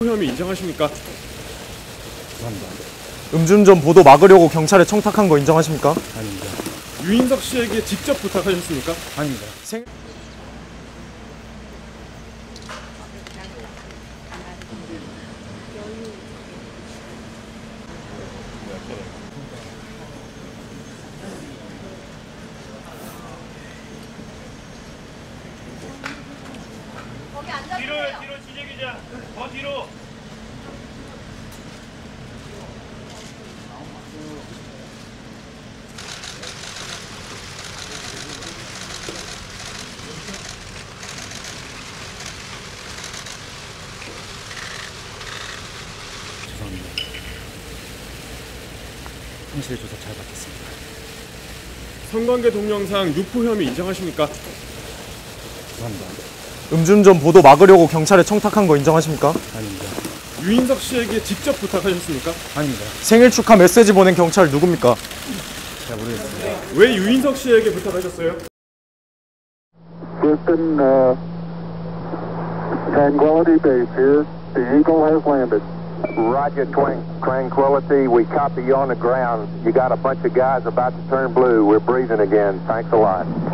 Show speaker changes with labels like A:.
A: 혐의 인정하십니까?
B: 죄송합니다.
C: 음주운전 보도 막으려고 경찰에 청탁한 거 인정하십니까?
B: 아닙니다.
A: 유인석 씨에게 직접 부탁하셨습니까?
B: 아닙니다.
D: 뒤로 진혁이자 더 뒤로.
B: 죄송합니다. 현실 조사 잘 받겠습니다.
A: 성관계 동영상 유포 혐의 인정하십니까?
B: 죄송합니다.
C: 음주운전 보도 막으려고 경찰에 청탁한 거 인정하십니까?
B: 아닙니다.
A: 유인석 씨에게 직접 부탁하셨습니까?
B: 아닙니다.
C: 생일 축하 메시지 보낸 경찰 누굽니까?
B: 잘 모르겠습니다.
A: 왜 유인석 씨에게 부탁하셨어요?
E: Houston, Tranquility Base here. The Eagle has landed.
F: Roger, Tranquility. We copy you on the ground. You got a bunch of guys about to turn blue. We're breathing again. Thanks a lot.